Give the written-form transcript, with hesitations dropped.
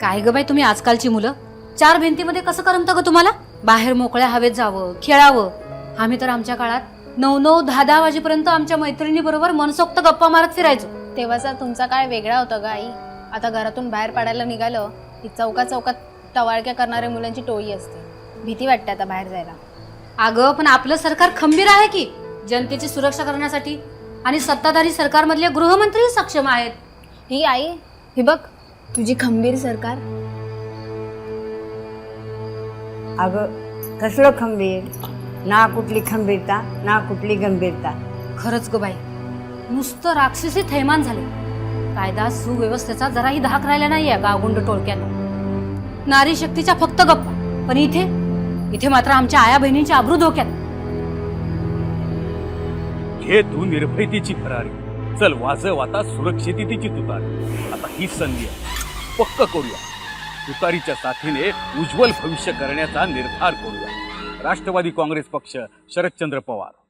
काय ग बाई तुम्ही आजकालची मुलं, चार भिंतीमध्ये कसं करमतं ग तुम्हाला? बाहेर मोकळ्या हवेत जावं, खेळावं. आम्ही तर आमच्या काळात 9-9, 10-10 वाजेपर्यंत आमच्या मैत्रिणी बरोबर मनसोक्त गप्पा मारत फिरायचो. तेव्हाचा तुमचा काळ वेगळा होता ग आई. आता घरातून बाहेर पडायला निघालं की चौकात चौकात टवाळक्या करणाऱ्या मुलांची टोळी असते. भीती वाटते आता बाहेर जायला. अगं पण आपलं सरकार खंबीर आहे की जनतेची सुरक्षा करण्यासाठी, आणि सत्ताधारी सरकारमधले गृहमंत्री सक्षम आहेत. ही आई, ही बघ तुझी खंबीर सरकार. अगं कसलं खंबीर, ना कुठली खंबीरता ना कुठली गंभीरता. खरंच ग बाई, नुसतं राक्षसी थैमान झाले. कायदा सुव्यवस्थेचा जराही धाक राहिला नाहीये गावगुंड टोळक्याला. नारी शक्तीच्या फक्त गप्पा, पण इथे मात्र आमच्या आया बहिणींची आबरू धोक्यात. घे तू निर्भयतेची भरारी, चल वाजव आता सुरक्षिततेची तुतारी. आता ही संधी आहे, पक्क करूया. तुतारीच्या साथीने उज्ज्वल भविष्य करण्याचा निर्धार करूया. राष्ट्रवादी काँग्रेस पक्ष, शरदचंद्र पवार.